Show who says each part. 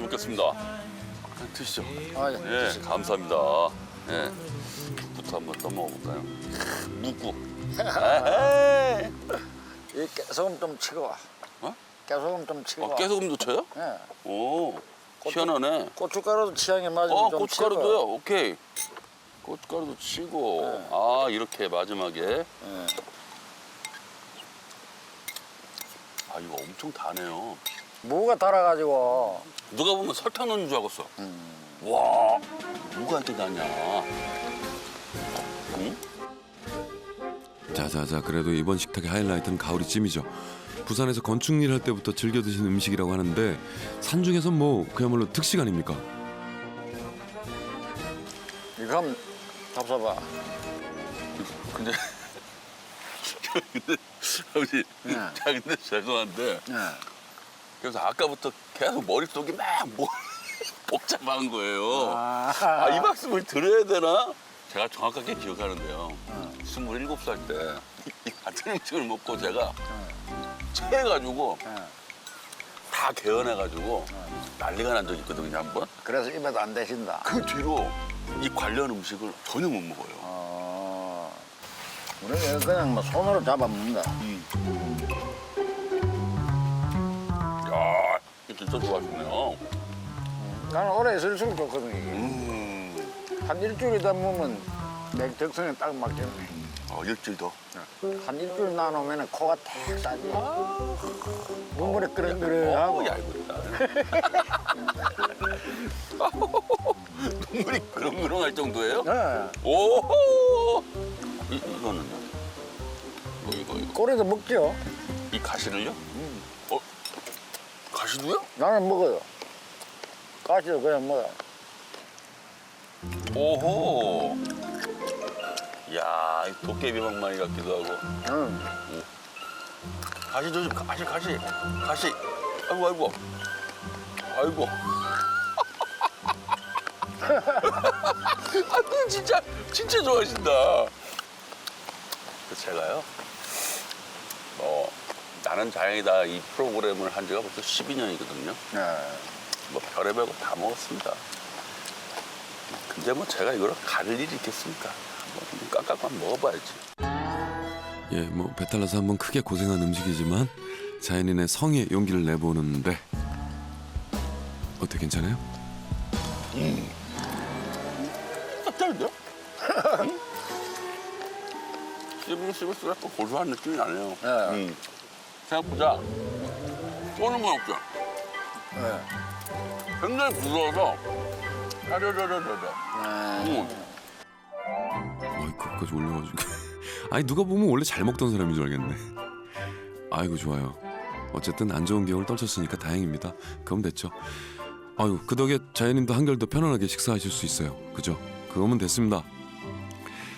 Speaker 1: 먹겠습니다. 드시죠.
Speaker 2: 아,
Speaker 1: 예, 감사합니다. 예, 국부터 한번 떠먹어볼까요? 묵국. 에헤이.
Speaker 2: 이 깨소금 좀 치고 와.
Speaker 1: 어?
Speaker 2: 깨소금 좀 치고 와.
Speaker 1: 깨소금도 쳐요?
Speaker 2: 예.
Speaker 1: 오, 희한하네.
Speaker 2: 고춧가루도 취향에 맞으면 좀
Speaker 1: 고춧가루도요?
Speaker 2: 치고.
Speaker 1: 오케이. 고춧가루도 치고.
Speaker 2: 네.
Speaker 1: 아, 이렇게 마지막에.
Speaker 2: 예.
Speaker 1: 아, 이거 엄청 다네요.
Speaker 2: 무가 달아가지고.
Speaker 1: 누가 보면 설탕 넣는 줄 알았어. 와, 누가 이렇게 다냐. 응?
Speaker 3: 자자자, 그래도 이번 식탁의 하이라이트는 가오리찜이죠. 부산에서 건축일 할 때부터 즐겨 드시는 음식이라고 하는데 산중에서 뭐 그야말로 특식 아닙니까?
Speaker 2: 이거 한번 잡숴봐.
Speaker 1: 근데 아버지,
Speaker 2: 네.
Speaker 1: 자 근데 죄송한데
Speaker 2: 예.
Speaker 1: 그래서 아까부터 계속 머릿속이 막 복잡한 거예요.
Speaker 2: 아,
Speaker 1: 이 말씀을 드려야 되나? 제가 정확하게 기억하는데요. 27살 때 이 같은 음식을 먹고 제가 체해가지고 다 개헌해가지고 난리가 난 적이 있거든요, 한 번.
Speaker 2: 그래서 입에도 안 대신다.
Speaker 1: 그 뒤로 이 관련 음식을 전혀 못 먹어요.
Speaker 2: 우리는 그냥 뭐 손으로 잡아먹는다.
Speaker 1: 야, 이거 진짜 좋아하시네요.
Speaker 2: 나는 오래 있을수록 좋거든, 이게. 한 일주일이다 보면 내 적성에 딱 맞겠네.
Speaker 1: 일주일 더.
Speaker 2: 한 일주일 나누면 코가 탁 싸지. 국물이 끓으하고
Speaker 1: 얇다. 눈물이 그렁그렁할 정도예요?
Speaker 2: 네.
Speaker 1: 오호! 이거는요? 이거.
Speaker 2: 꼬리도 먹죠.
Speaker 1: 이 가시를요? 가시도요?
Speaker 2: 나는 먹어요. 가시도 그냥 먹어.
Speaker 1: 오호! 야, 이 도깨비 방망이 같기도 하고.
Speaker 2: 응.
Speaker 1: 가시 조심, 가시. 아이고. 아, 진짜 좋아하신다. 제가요, 나는 다행이다 이 프로그램을 한 지가 벌써 12년이거든요.
Speaker 2: 네.
Speaker 1: 뭐 별의별 거 다 먹었습니다. 근데 뭐 제가 이걸 가릴 일이 있겠습니까? 한번 깍깍만 먹어봐야지.
Speaker 3: 예, 뭐 배탈 나서 한번 크게 고생한 음식이지만 자연인의 성의 용기를 내보는데 어때, 괜찮아요?
Speaker 1: 짭짤한데요? 씹을수록 고소한 느낌이 나네요.
Speaker 2: 네.
Speaker 1: 생각보다 쏘는 건 없죠.
Speaker 2: 네.
Speaker 1: 굉장히 부드러워서 짜르르르르르.
Speaker 3: 어이, 그것까지 올려가지고 아니, 누가 보면 원래 잘 먹던 사람인 줄 알겠네. 아이고, 좋아요. 어쨌든 안 좋은 기억을 떨쳤으니까 다행입니다. 그럼 됐죠. 아유, 그 덕에 자연님도 한결 더 편안하게 식사하실 수 있어요. 그죠? 그거면 됐습니다.